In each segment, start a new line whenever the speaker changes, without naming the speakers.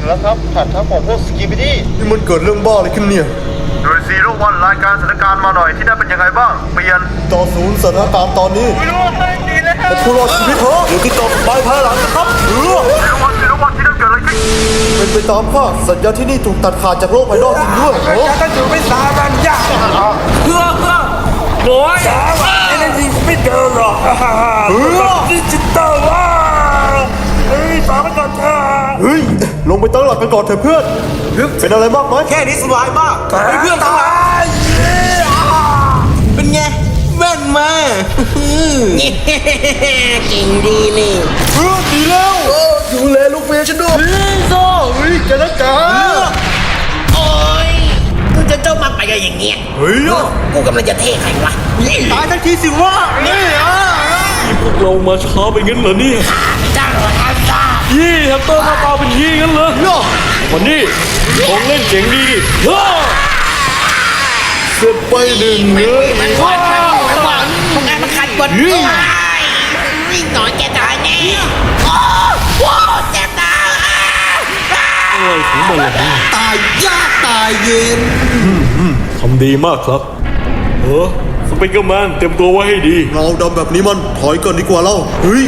แล้วครับผ่านทัพของพวกสกิบิดี้
นี่มันเกิดเรื่องบ้าอะไรขึ้นเนี่ย
โดย01รายการสถานการณ์มาหน่อยที่นั่นเป็นยังไงบ้างเปลี่ยน
ต่อศูนย์สถานการณ์ตอนนี้แต่ผู้รอดชีวิตเถอะอยู่ที่ต่อไปภายหลังนะครับ
01ที่นั่นเกิดอะไรขึ้น
เป็นไปตามคาดสัญญาที่นี่ถูกตัดขาดจากโลกภายนอกจริงด้วย
จะต้องอยู่ไม่สาบันยากเพื่อหน่อยไอ้นั่นสิไม่เดินหรอกดิจิตอลว่าฝากไว้ก่อนเถอะ
เฮ้ยลงไปตั้งหลักกันก่อนเถอะเพื่อนเป็นอะไรมากไหม
แค่นี้สบายมากเพื่อนทั้งหลายเป็นไงแว่นมาเก่งดีนี่
ดีแล้วดูแลลูกเมียฉันด้วยโซ่แกนะจ๊ะ
โอ้ยมึงจะเจ้ามาไปกันอย่างเงี้ยกูกำลังจะเทใครวะ
ตายทันทีสิวะนี่
พวกเรามาช้าไปงั้นเหรอเนี่ย
จ้างเราทำจ้า
แฮมสเตอร์มาเปล่าเป็นงั้นเหรอวันนี้ของเล่นเจ๋งดี
เสร็จไปหนึ่งเลย
พวกงานมันขัดบทวิ่งหน่อยแกตายแน่โอ้เจ็บตา
อะไรของมันล่ะ
ตายยากตายเย็น
ทำดีมากครับสไปเกอร์แมนเตรียมตัวไว้ให้ดี
เราดำแบบนี้มันถอยก่อนดีกว่าเราเฮ้ย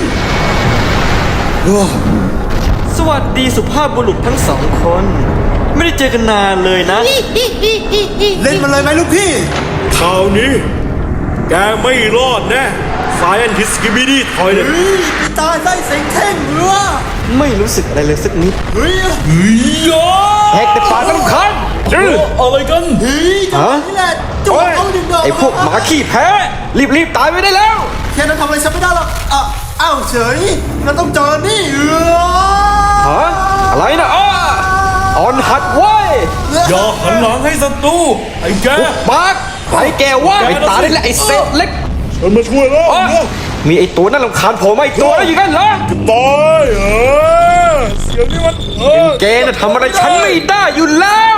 สวัสดีสุภาพบุรุษทั้งสองคนไม่ได้เจอกันนานเลยนะ
เล่นมันเลยไหมลูกพี่
คราวนี้แกไม่รอดแน่สายอันทิสกิบิดี้ถอยเลย
ตายได้เสียงเท่งเรือ
ไม่รู้สึกอะไรเลยสักนิด
เฮ้ย
แหกแต่ปากกันทุกคัน
อะไรกัน
ฮะนี่แหละจุ๊บเอาดึงดอก
ไอ้พวกหมาขี้แพ้รีบตายไปได้แล้ว
แค่นั้นทำอะไรฉันไม่ได้หรอกอ้าวเฉยเราต้องเจอนี่
ฮะอะไรนะอ่อนหัดไว้
อย่าหันหลังให้ศัตรูไอ้แก
ปากไอ้แกว่าไอ้ตาได้แล้วไอ้เศษเล็ก
ฉันมาช่วยแล้ว
มีไอ้ตัวนั่นรำคาญผมไอ้ตัวแล้วอย่างนั้นเหรอ
ตายเสียงนี่มัน
แกน่ะทำอะไรฉันไม่ได้อยู่แล้ว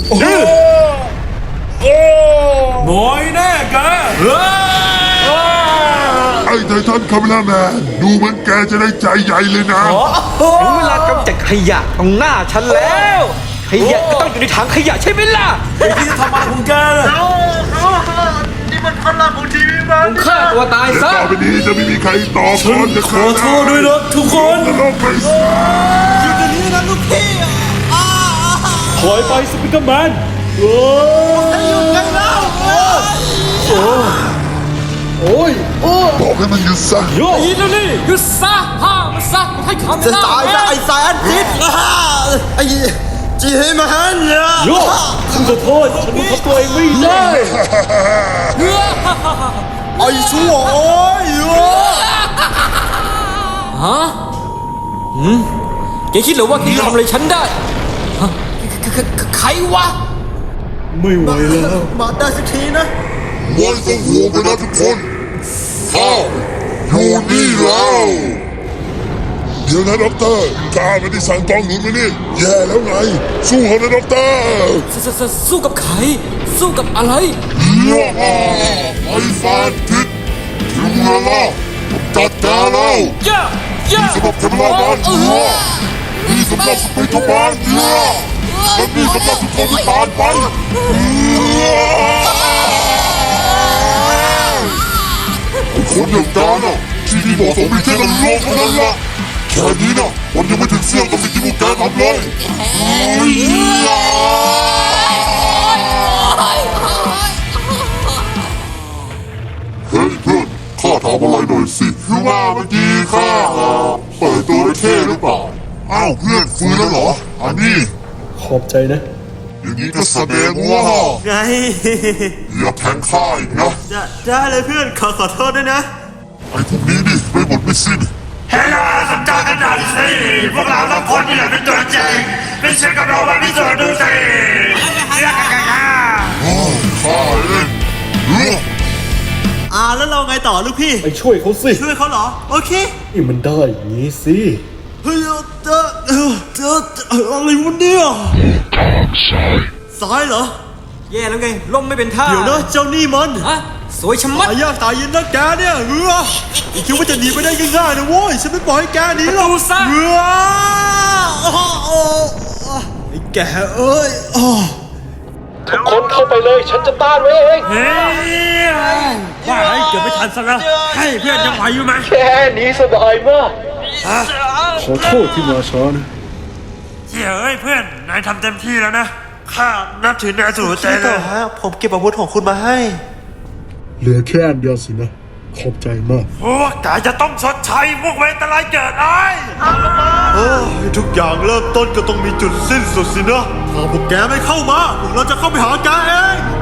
น้อยแน่แก
ไอ้ไททันคาเมล่าแมนดูเหมือนแกจะได้ใจใหญ่เลยนะ
ถึงเวลากำจัดขยะตรงหน้าฉันแล้วขยะก็ต้องอยู่ในถังขยะใช่ไหมล่ะ
ไอ้ที่จะทำอะไรของแก
นี่มันพลังของทีวีมัน
ฆ่าตัวตายซะ
ต่อไปนี้จะไม่มีใครต่อ
ฉันขอโทษด้วยนะทุกคน
อยู่ตรงนี้นะลูกพี่
ถอยไปสปิเกอร์แมน
ให้หยุดกันแล้ว
บอกให้มันหยุดซะ
ห
ยุดซะห้ามมันซะให้คำ
จะตายซะไอ้สายอันติดไอ้จีให้มาฮันเนี่ย
ฉันขอโทษฉันทำตัวเองไม่ได้
ไอ้ชั่วโอ้ย
ฮะแกคิดเหรอว่าแกจะทำอะไรฉันได้ใครวะ
ไม่ไหวแล้ว
มาได้สักทีนะ
วันต้องห่วงไปนะทุกคนอยู่นี่แล้วเดี๋ยวนะด็อกเตอร์กล้าไม่ได้สั่งกองหนุนมานี่แย่แล้วไงสู้เขานะด็อกเตอร์
สู้กับใครสู้กับอะไร
ไอ้ฟานทิศถึงเวลาจัดการแล้วนี่สำหรับเทมราบานนี่สำหรับสไปโตบานและนี่สำหรับทุกคนที่ผ่านไปคนอย่างแกน่ะที่นี่เหมาะสมมีแค่นั้นโลกเท่านั้นละแค่นี้นะมันยังไม่ถึงเสี่ยงกับสิ่งที่พวกแกทำเลยเฮ้ยเพื่อนข้าถามอะไรหน่อยสิคือว่าเมื่อกี้ข้าเปิดตัวได้เท่หรือเปล่าอ้าวเพื่อนฟื้นแล้วเหรออันนี้
ขอบใจนะ
อย่างนี้ก็แสดงว่า
ไง
อย่าแทงข้าอีกนะ
ได้เลยเพื่อนขอโทษด้วยนะ
ไอ้พวกนี้ดิไม่หมดไม่สิ้น
เฮ้ยสนใจกันหน่อยสิพวกเราทุกคนนี่แหละเป็นตัวจริงไม่ใช่กับเราแบบพิสูจน์ดูสิ
ข้าเอง
แล้วเราไงต่อลูกพี่
ไปช่วยเขาสิ
ช่วยเขาเหรอโอเค
นี่มันได้อย่างนี้สิ
เฮ้ยอะไรวะเนี่ยซ้ายเหรอ
แย่แล้วไงล่มไม่เป็นท่า
เดี๋ยวนะเจ้านี่มัน
สวยชะมัด
ตายยากตายเย็นนะแกเนี่ยคิดว่าจะหนีไปได้ง่ายๆนะโว้ยฉันไม่ปล่อยให้แกหนีหรอกแกเอ้ย
ทุกคนเข้าไปเลย ฉันจะต้านไว้เอง
เฮ้ยว่าไอ้เกือบไม่ทันซะแล้วให้เพื่อนยังไหวอยู่ไหม
แค่นี้สบายมาก
ขอโทษที่มาช้านะ
เฮ้ยเพื่อนนายทำเต็มที่แล้วนะข้านับถือนายสุดหัวใจเลย
ผมเก็บอาวุธของคุณมาให้
เหลือแค่อันเดียวสินะ ขอบใจมาก
พวกกายจะต้องชดใช้พวกเวรตรายเกิดไอ้
ทุกอย่างเริ่มต้นก็ต้องมีจุดสิ้นสุดสินะถ้าพวกแกไม่เข้ามาพวกเราจะเข้าไปหาแกเอง